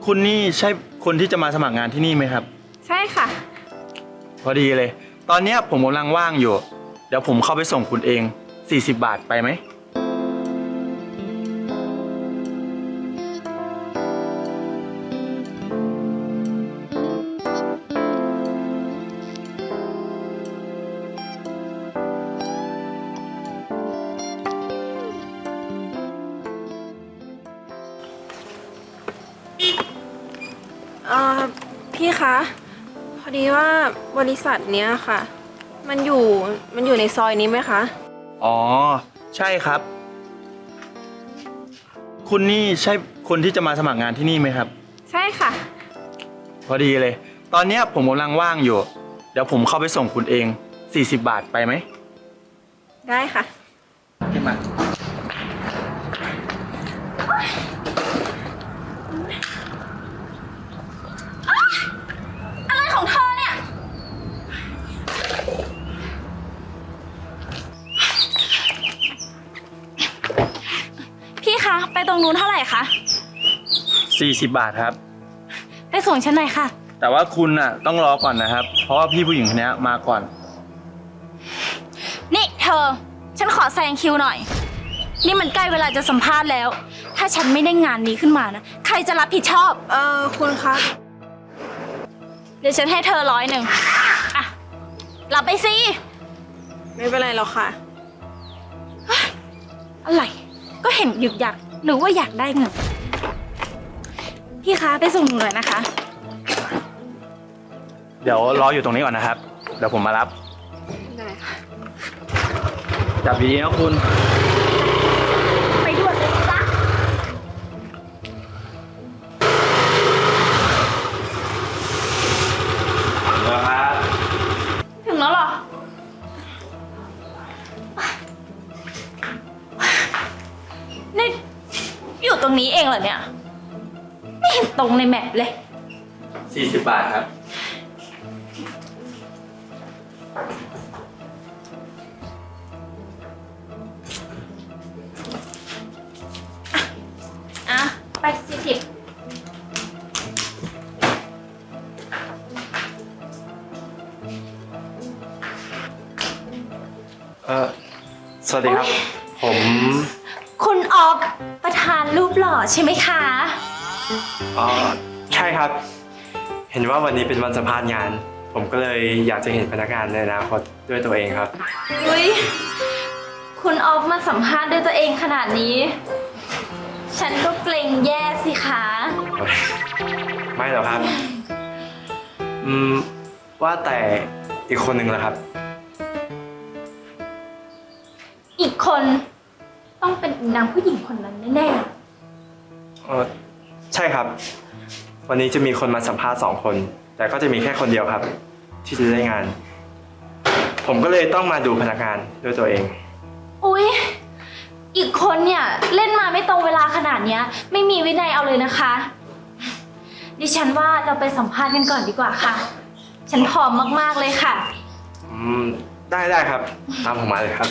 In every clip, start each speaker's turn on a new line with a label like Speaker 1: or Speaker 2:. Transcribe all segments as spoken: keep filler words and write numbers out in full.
Speaker 1: คุณนี่ใช่คนที่จะมาสมัครงานที่นี่ไหมครับ
Speaker 2: ใช่ค่ะ
Speaker 1: พอดีเลยตอนนี้ผมกำลังว่างอยู่เดี๋ยวผมเข้าไปส่งคุณเองสี่สิบบาทไปไหม
Speaker 2: เอ่อพี่คะพอดีว่าบริษัทเนี้ยค่ะมันอยู่มันอยู่ในซอยนี้ไหมคะ
Speaker 1: อ๋อใช่ครับคุณนี่ใช่คนที่จะมาสมัครงานที่นี่ไหมครับ
Speaker 2: ใช่ค่ะ
Speaker 1: พอดีเลยตอนนี้ผมกำลังว่างอยู่เดี๋ยวผมเข้าไปส่งคุณเองสี่สิบบาทไปไหม
Speaker 2: ได้ค่ะ
Speaker 1: ขึ้นมา
Speaker 3: อะไรของเธอเนี่ยพี่คะไปตรงนู้นเท่าไหร่คะ
Speaker 1: สี่สิบบาทครับ
Speaker 3: ไปส่งฉันหน่อยค่ะ
Speaker 1: แต่ว่าคุณน่ะต้องรอก่อนนะครับเพราะว่าพี่ผู้หญิงคนนี้มาก่อน
Speaker 3: นี่เธอฉันขอแซงคิวหน่อยนี่มันใกล้เวลาจะสัมภาษณ์แล้วถ้าฉันไม่ได้งานนี้ขึ้นมานะใครจะรับผิดชอบ
Speaker 2: เอ่อคุณคะ
Speaker 3: เดี๋ยวฉันให้เธอร้อยหนึ่งอ่ะรับไปสิ
Speaker 2: ไม่เป็นไรหรอกค่ะ
Speaker 3: อะไรก็เห็นหยุกอยากหรือว่าอยากได้เงินพี่คะไปส่งหนูหน่อยนะคะ
Speaker 1: เดี๋ยวรออยู่ตรงนี้ก่อนนะครับเดี๋ยวผมมารับ
Speaker 2: ได้ค่ะ
Speaker 1: จับดีๆนะคุณ
Speaker 3: ไปด่วนเลยจ้ะ
Speaker 1: ครับ
Speaker 3: ถึงแล้วเหรอนี่อยู่ตรงนี้เองเหรอเนี่ยไม่เห็นตรงในแมปเลย
Speaker 1: สี่สิบบาทครับ
Speaker 3: อ่ะไปสี่สิบ
Speaker 4: เออสวัสดีครับผม
Speaker 3: คุณออฟประธานรูปหล่อใช่ไหมคะ
Speaker 4: อ๋อใช่ครับเห็นว่าวันนี้เป็นวันสัมภาษณ์งานผมก็เลยอยากจะเห็นพนักงานในอนาคตด้วยตัวเองครับ
Speaker 3: อุ้ยคุณออฟมาสัมภาษณ์ด้วยตัวเองขนาดนี้ฉันก็เกรงแย่สิคะ
Speaker 4: ไม่หรอกครับอืมว่าแต่อีกคนหนึ่งล่ะครับ
Speaker 3: อีกคนต้องเป็นนางผู้หญิงคนนั้นแน่
Speaker 4: ๆเออใช่ครับวันนี้จะมีคนมาสัมภาษณ์สองคนแต่ก็จะมีแค่คนเดียวครับที่จะได้งานผมก็เลยต้องมาดูพนักงานด้วยตัวเอง
Speaker 3: อุ๊ยอีกคนเนี่ยเล่นมาไม่ตรงเวลาขนาดนี้ไม่มีวินัยเอาเลยนะคะดิฉันว่าเราไปสัมภาษณ์กันก่อนดีกว่าค่ะฉันพร้อมมากๆเลยค่ะ
Speaker 4: อืมได้ได้ครับตามผมมาเลยครับ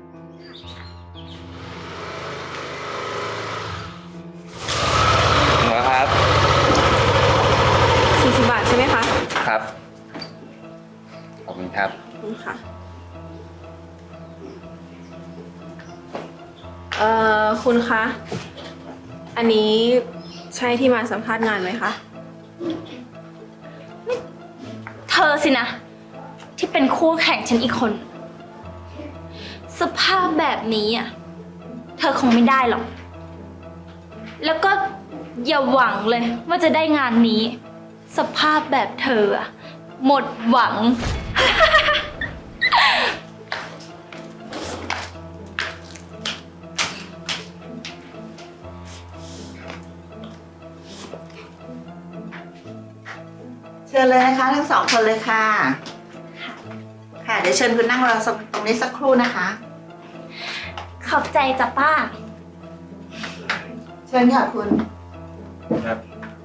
Speaker 1: ครับ
Speaker 2: สี่สิบบาทใช่ไหมคะ
Speaker 1: ครับขอบคุณครับ
Speaker 2: ขอบคุณค่ะเอ่อคุณคะอันนี้ใช่ที่มาสัมภาษณ์งานไหมคะ
Speaker 3: เธอสินะที่เป็นคู่แข่งฉันอีกคนสภาพแบบนี้อ่ะเธอคงไม่ได้หรอกแล้วก็อย่าหวังเลยว่าจะได้งานนี้สภาพแบบเธออะหมดหวัง
Speaker 5: เชิญเลยนะคะทั้งสองคนเลยค่ะค่ะเดี๋ยวเชิญคุณนั่งรอตรงนี้สักครู่นะคะ
Speaker 3: ขอบใจจ้ะป้า
Speaker 5: เชิญค่ะคุณ
Speaker 4: ครับ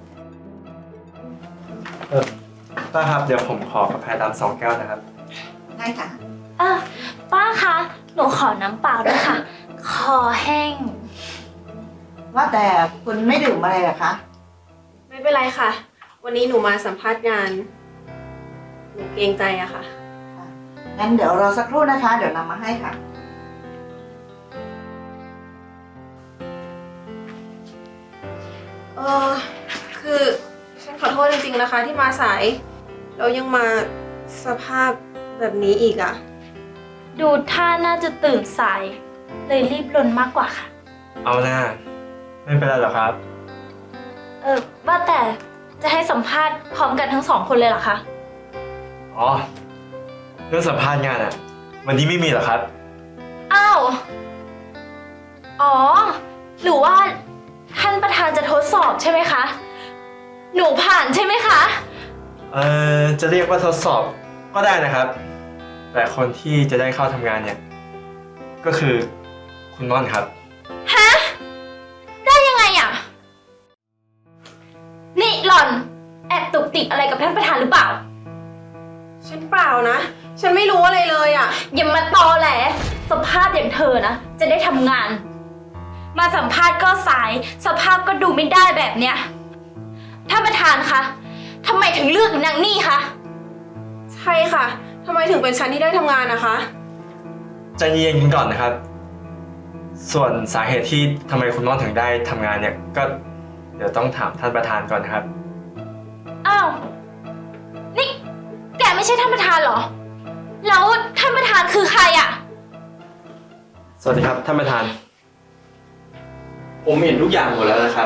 Speaker 4: เออป้าครับเดี๋ยวผมขอกาแฟดำสองแก้วนะครับ
Speaker 5: ได้ค่ะ
Speaker 3: เออป้าคะหนูขอน้ำเปล่าด้วยค่ะคอแห้ง
Speaker 5: ว่าแต่คุณไม่ดื่มอะไรเหรอคะ
Speaker 2: ไม่ไม่เป็นไรค่ะ วันนี้หนูมาสัมภาษณ์งาน หนูเกรงใจอะค่ะ
Speaker 5: งั้นเดี๋ยวรอสักครู่นะคะ เดี๋ยวนำมาให้ค่ะ
Speaker 2: เออคือฉันขอโทษจริงๆนะคะ ที่มาสายแล้วยังมาสภาพแบบนี้อีกอะ
Speaker 3: ดูท่าน่าจะตื่นสาย เลยรีบลนมากกว่าค่ะ
Speaker 4: เอาหน้า ไม่เป็นไรหรอกครับ
Speaker 3: เออว่าแต่จะให้สัมภาษณ์พร้อมกันทั้งสองคนเลยเหรอคะ
Speaker 4: อ๋อ เรื่องสัมภาษณ์งานอะวันนี้ไม่มีหรอครับ
Speaker 3: อ้าว อ๋อ หรือว่าท่านประธานจะทดสอบใช่ไหมคะ หนูผ่านใช่ไหมคะ
Speaker 4: เอ่อ จะเรียกว่าทดสอบก็ได้นะครับ แต่คนที่จะได้เข้าทำงานเนี่ย ก็คือคุณม่อนครับ
Speaker 3: ฮะ ได้ยังไงอ่ะ นี่หล่อน แอบตุกติกอะไรกับท่านประธานหรือเปล่า
Speaker 2: ฉันเปล่านะ ฉันไม่รู้อะไรเลยอะ
Speaker 3: อย่ามาตอแหล สภาพอย่างเธอนะ จะได้ทำงาน มาสัมภาษณ์ก็สาย สภาพก็ดูไม่ได้แบบเนี้ย ท่านประธานคะทำไมถึงเลือกนางนี่คะ
Speaker 2: ใช่ค่ะทำไมถึงเป็นฉันที่ได้ทำงานนะคะ
Speaker 4: ใจเย็นๆกันก่อนนะครับ ส่วนสาเหตุที่ทำไมคุณม่อนถึงได้ทำงานเนี่ย ก็เดี๋ยวต้องถามท่านประธานก่อนนะครับ
Speaker 3: อ้าว นี่แกไม่ใช่ท่านประธานเหรอ แล้วท่านประธานคือใครอะ
Speaker 4: สวัสดีครับท่านประธาน
Speaker 1: ผมเห็นทุกอย่างหมดแล้วนะครับ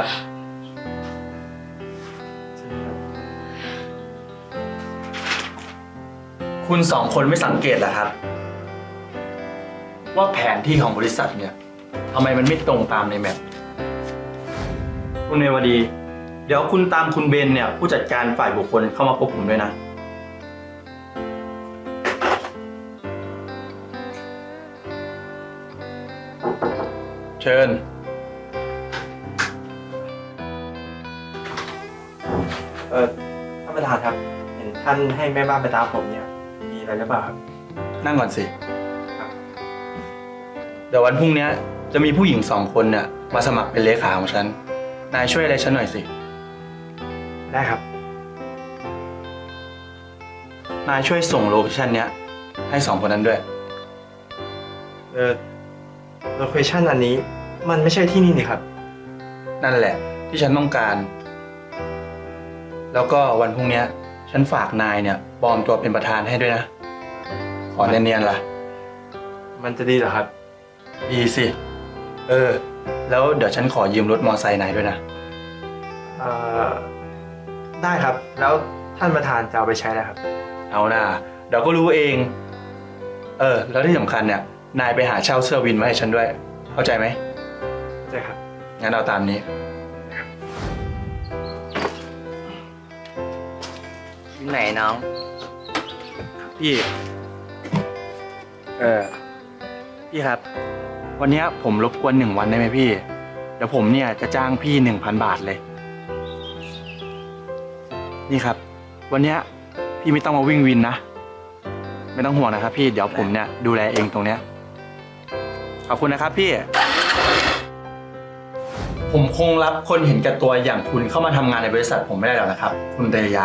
Speaker 1: คุณสองคนไม่สังเกตเหรอครับ ว่าแผนที่ของบริษัทเนี่ยทำไมมันไม่ตรงตามในแมปคุณเนวดี เดี๋ยวคุณตามคุณเบนเนี่ยผู้จัดการฝ่ายบุคคลเข้ามาพบผมด้วยนะ เชิญ
Speaker 4: เออท่านประธานครับ เห็นท่านให้แม่บ้านไปตามผมเนี่ย มีอะไรหรือเปล่าครับ
Speaker 1: นั่งก่อนสิ
Speaker 4: ครับ
Speaker 1: เดี๋ยววันพรุ่งนี้จะมีผู้หญิงสองคนเนี่ยมาสมัครเป็นเลขาของฉัน นายช่วยอะไรฉันหน่อยสิ
Speaker 4: ได้ครับ
Speaker 1: นายช่วยส่งโลเคชั่นเนี้ยให้สองคนนั้นด้วย
Speaker 4: เออโลเคชั่นอันนี้มันไม่ใช่ที่นี่นี่ครับ
Speaker 1: นั่นแหละที่ฉันต้องการ แล้วก็วันพรุ่งนี้ฉันฝากนายเนี่ยปลอมตัวเป็นประธานให้ด้วยนะ ขอเนียนๆล่ะ
Speaker 4: มันจะดีเหรอครับ
Speaker 1: ดีสิ เออ แล้วเดี๋ยวฉันขอยืมรถมอไซค์นายด้วยนะ
Speaker 4: เอ่อ ได้ครับ แล้วท่านประธานจะเอาไปใช้แล้วครับ
Speaker 1: เอาหน่าเดี๋ยวก็รู้เอง เออ แล้วที่สำคัญเนี่ย นายไปหาเช่าเสื้อวินมาให้ฉันด้วย เข้าใจไหม
Speaker 4: ใช่ครับ
Speaker 1: งั้นเอาตามนี้
Speaker 6: ที่ไหนน้อง
Speaker 1: พี่ เออ พี่ครับ วันเนี้ยผมรบกวนหนึ่งวันได้ไหมพี่ เดี๋ยวผมเนี่ยจะจ้างพี่หนึ่งพันบาทเลย นี่ครับ วันเนี้ยพี่ไม่ต้องมาวิ่งวินนะ ไม่ต้องห่วงนะครับพี่ เดี๋ยวผมเนี่ยดูแลเองตรงเนี้ย ขอบคุณนะครับพี่ ผมคงรับคนเห็นแก่ตัวอย่างคุณเข้ามาทำงานในบริษัทผมไม่ได้แล้วนะครับ คุณเตยา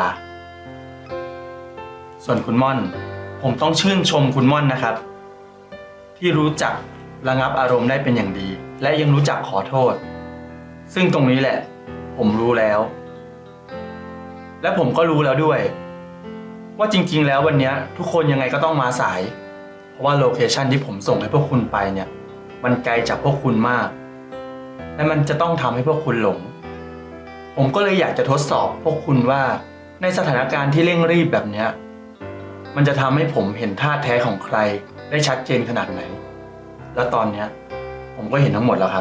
Speaker 1: ส่วนคุณม่อน ผมต้องชื่นชมคุณม่อนนะครับ ที่รู้จักระงับอารมณ์ได้เป็นอย่างดี และยังรู้จักขอโทษ ซึ่งตรงนี้แหละ ผมรู้แล้ว และผมก็รู้แล้วด้วย ว่าจริงๆแล้ววันนี้ทุกคนยังไงก็ต้องมาสาย เพราะว่าโลเคชันที่ผมส่งให้พวกคุณไปเนี่ย มันไกลจากพวกคุณมาก และมันจะต้องทำให้พวกคุณหลง ผมก็เลยอยากจะทดสอบพวกคุณว่าในสถานการณ์ที่เร่งรีบแบบเนี้ยมันจะทำให้ผมเห็นท่าแท้ของใครได้ชัดเจนขนาดไหน แล้วตอนเนี้ยผมก็เห็นทั้งหมดแล้วครับ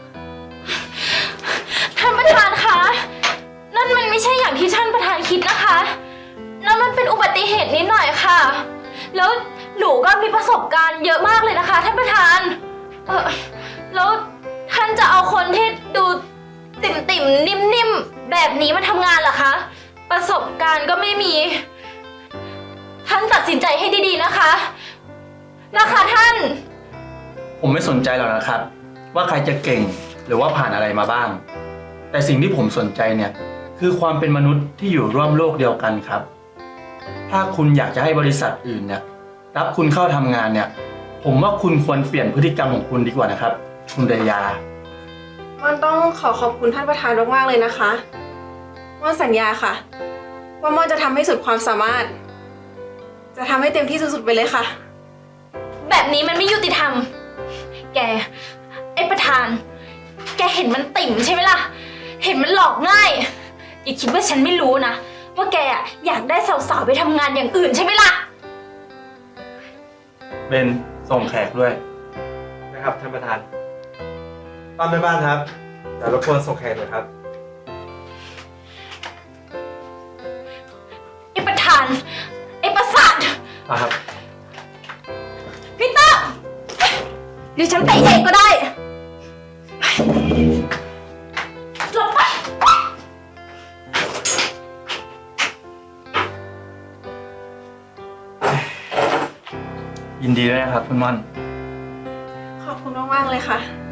Speaker 3: ท่านประธานคะ นั่นมันไม่ใช่อย่างที่ท่านประธานคิดนะคะ นั่นมันเป็นอุบัติเหตุนิดหน่อยค่ะ แล้วหนูก็มีประสบการณ์เยอะมากเลยนะคะท่านประธาน เออแล้วท่านจะเอาคนที่ดูติ่มติ่มๆนิ่มๆแบบนี้มาทำงานเหรอคะ ประสบการณ์ก็ไม่มี ท่านตัดสินใจให้ดีๆนะคะ นะคะท่าน
Speaker 1: ผมไม่สนใจหรอกนะครับ ว่าใครจะเก่งหรือว่าผ่านอะไรมาบ้าง แต่สิ่งที่ผมสนใจเนี่ยคือความเป็นมนุษย์ที่อยู่ร่วมโลกเดียวกันครับ ถ้าคุณอยากจะให้บริษัทอื่นเนี่ยรับคุณเข้าทำงานเนี่ย ผมว่าคุณควรเปลี่ยนพฤติกรรมของคุณดีกว่านะครับ คุณเรยา
Speaker 2: ม่อนต้องขอขอบคุณท่านประธานมากๆเลยนะคะม่อนสัญญาค่ะ ว่าม่อนจะทำให้สุดความสามารถ จะทำให้เต็มที่สุดๆไปเลยค่ะ
Speaker 3: แบบนี้มันไม่ยุติธรรม แก ไอ้ประธาน แกเห็นมันติ่มใช่ไหมล่ะ เห็นมันหลอกง่าย อย่าคิดว่าฉันไม่รู้นะ ว่าแกอะอยากได้สาวๆไปทำงานอย่างอื่นใช่ไหมล่ะ
Speaker 1: เบนส่งแขกด้วย
Speaker 4: นะครับท่านประธานป้าแม่บ้านครับเดี๋ยวรบกวนส่งแขกหน่อยครับ
Speaker 3: ไอ้ประธาน ไอ้ประสาท
Speaker 4: มาครับ
Speaker 3: พี่เตอร์เดี๋ยวฉันไปเองก็ได้หลบไป
Speaker 1: ยินดีด้วยนะครับคุณม่อน
Speaker 2: ขอบคุณมากๆเลยค่ะ